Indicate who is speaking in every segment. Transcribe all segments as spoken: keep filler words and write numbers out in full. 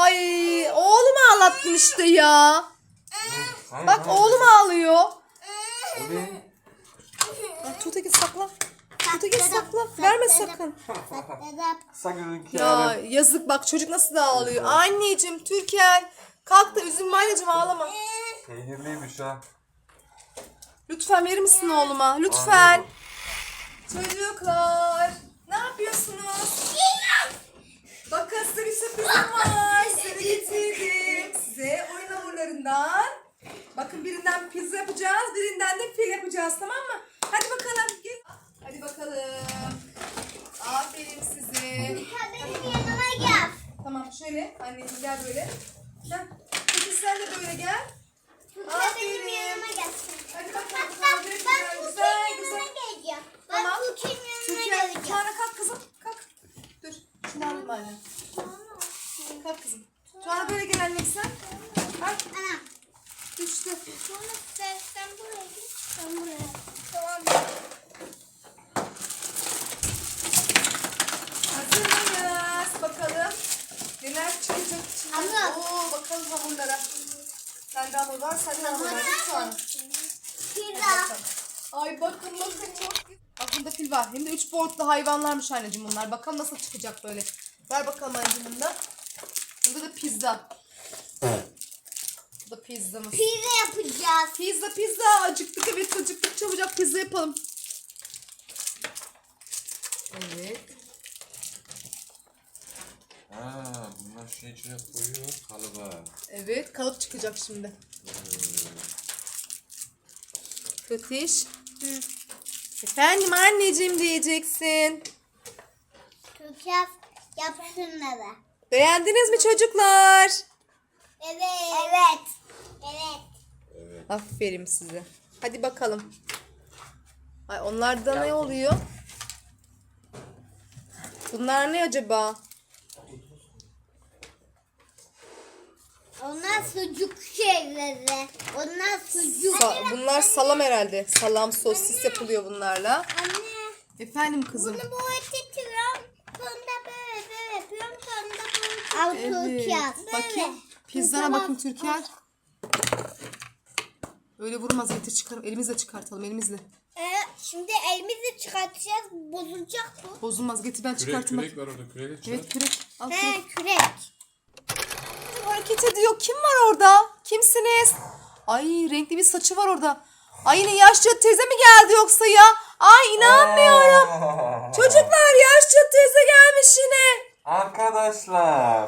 Speaker 1: Ay oğlum ağlattın işte ya.
Speaker 2: Hayır,
Speaker 1: Bak
Speaker 2: hayır.
Speaker 1: oğlum ağlıyor.
Speaker 2: Evet.
Speaker 1: Ay, Tuğte git sakla. Tuğte git sakla. Verme sakın.
Speaker 2: Sakın ki
Speaker 1: Ya yazık bak çocuk nasıl da ağlıyor. Anneciğim Türker. Kalk da üzülme anneciğim ağlama.
Speaker 2: Peynirliymiş ha.
Speaker 1: Lütfen verir misin oğluma? Lütfen. Çocuklar. Ne yapıyorsunuz? Bakın size bir sürprizim var. Size getirdim. Size oyun hamurlarından. Bakın birinden pizza yapacağız. Birinden de fil yapacağız, tamam mı? Hadi bakalım. Gel. Hadi bakalım. Aferin size.
Speaker 3: Benim yanıma gel.
Speaker 1: Tamam şöyle. Anneciğim gel böyle. Heh. Peki sen de böyle gel.
Speaker 3: Tuğçe benim yanıma gelsin.
Speaker 1: Hadi bakalım.
Speaker 3: Hatta ben
Speaker 1: Güzel,
Speaker 3: Tuğçe'nin
Speaker 1: güzel,
Speaker 3: yanına
Speaker 1: güzel.
Speaker 3: geleceğim.
Speaker 1: Tamam.
Speaker 3: Ben Tuğçe'nin yanına
Speaker 1: Türkiye,
Speaker 3: geleceğim.
Speaker 1: Tuana kalk kızım. Kalk. Dur. Şunu alayım anne. Kalk kızım. Tuana böyle gel annem sen. Kalk.
Speaker 3: Ana.
Speaker 1: Düştü.
Speaker 3: Sonra sen, sen buraya git. Sen buraya. Tamam.
Speaker 1: Hazır mıyız? Bakalım. Neler çıkacak içinden.
Speaker 3: Hamur.
Speaker 1: Oo, bakalım hamurlara. Sende hamur var, sende hamur var. Tuana.
Speaker 3: Pizza.
Speaker 1: Ay bakın bakın çok güzel. Bak bunda fil var. Hem de üç boyutlu hayvanlarmış anneciğim bunlar. Bakalım nasıl çıkacak böyle. Ver bakalım anneciğim bunda. Bunda da pizza. Bu da pizzamız.
Speaker 3: Pizza yapacağız.
Speaker 1: Pizza pizza. Acıktık, evet acıktık. Çabucak pizza yapalım. Evet.
Speaker 2: Ha, bunlar şey içine koyuyor kalıba.
Speaker 1: Evet kalıp çıkacak şimdi. Fetiş. Efendim anneciğim diyeceksin.
Speaker 3: Tuğçe yap şunları.
Speaker 1: Beğendiniz mi çocuklar?
Speaker 3: Evet. Evet. Evet.
Speaker 1: Aferin size. Hadi bakalım. Ay onlarda ne oluyor? Bunlar ne acaba?
Speaker 3: Onlar sucuk şeyleri. Onlar sucuk.
Speaker 1: Sa- bunlar salam herhalde. Salam sosis yapılıyor bunlarla.
Speaker 3: Anne.
Speaker 1: Efendim kızım.
Speaker 3: Bunu böyle tutuyorum. Sonra böyle böyle yapıyorum. Sonra böyle. Al
Speaker 1: Evet.
Speaker 3: Tuğçe.
Speaker 1: Bakayım. Pizzana bakın Türker. Öyle vurmaz, getir çıkarım. Elimizle çıkartalım, elimizle.
Speaker 3: Ee, şimdi elimizle çıkartacağız. Bozulacak bu.
Speaker 1: Bozulmaz, getir ben
Speaker 2: Kürek
Speaker 1: çıkartayım.
Speaker 2: kürek var orada kürek çıkar.
Speaker 1: Evet kürek. Al kürek.
Speaker 3: He kürek.
Speaker 1: Hareket ediyor. Kim var orada? Kimsiniz? Ay renkli bir saçı var orada. Ay yine yaşlı teyze mi geldi yoksa ya? Ay inanmıyorum. Çocuklar yaşlı teyze gelmiş yine.
Speaker 2: Arkadaşlar.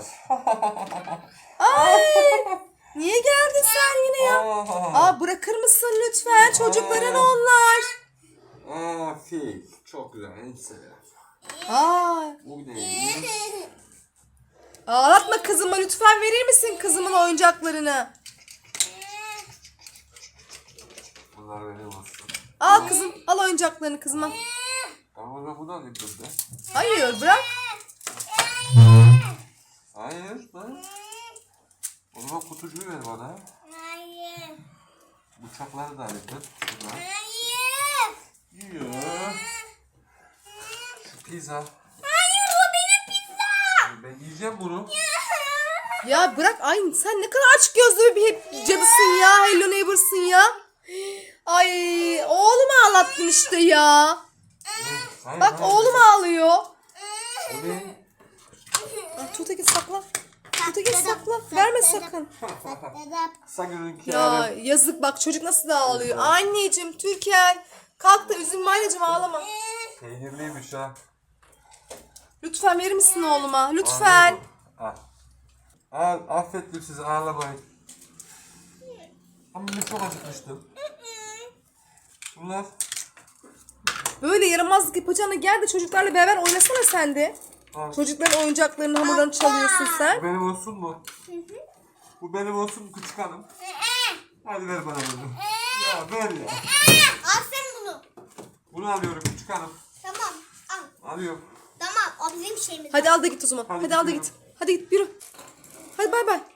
Speaker 1: Ay niye geldin sen yine ya? Aa bırakır mısın lütfen? Çocukların onlar.
Speaker 2: Aa, fil. Çok güzel. En seviyorum.
Speaker 1: Aa
Speaker 2: Bu neymiş?
Speaker 1: ağlatma kızıma, lütfen verir misin kızımın oyuncaklarını?
Speaker 2: Bunlar benim olsun.
Speaker 1: Al kızım, al oyuncaklarını kızıma.
Speaker 2: Ama ben bunu alayım burada.
Speaker 1: Hayır bırak.
Speaker 2: Hayır lan. O zaman kutucuğu ver bana.
Speaker 3: Hayır.
Speaker 2: Bıçakları da alayım ben. Şunlar.
Speaker 3: Hayır.
Speaker 2: Yiyor. Şu pizza.
Speaker 3: Hayır o benim pizza.
Speaker 2: Ben yiyeceğim bunu.
Speaker 1: Ya bırak, ay sen ne kadar aç gözlü bir hep cadısın ya. Hello Neighbor'sın ya. Ay oğlum ağlattın işte ya.
Speaker 2: Hayır,
Speaker 1: Bak
Speaker 2: hayır.
Speaker 1: oğlum ağlıyor.
Speaker 2: O ne?
Speaker 1: Ay, Tuğte git sakla. Tuğte git sakla. Verme sakın.
Speaker 2: Sakın ki
Speaker 1: Ya yazık bak çocuk nasıl da ağlıyor. Anneciğim Türker. Kalk da üzülme anneciğim, ağlama.
Speaker 2: Peynirliymiş ha.
Speaker 1: Lütfen verir misin oğluma? Lütfen.
Speaker 2: Al. Al, affettim sizi, ağlamayın. Ama ben çok acıkmıştım. Bunlar
Speaker 1: Böyle yaramazlık yapacağına gel de çocuklarla beraber oynasana sen de.
Speaker 2: al.
Speaker 1: Çocukların oyuncaklarını, hamurlarını çalıyorsun
Speaker 2: Bu
Speaker 1: sen.
Speaker 2: benim olsun mu? Bu benim olsun mu küçük hanım? Hadi ver bana bunu. Ya ver ya.
Speaker 3: Al sen bunu.
Speaker 2: Bunu alıyorum küçük hanım.
Speaker 3: Tamam al.
Speaker 2: Alıyorum.
Speaker 3: Tamam o bizim şeyimiz.
Speaker 1: Hadi al da git o zaman.
Speaker 2: Hadi
Speaker 1: Hadi al da
Speaker 2: gidiyorum.
Speaker 1: git. Hadi git yürü. Hadi bay bay.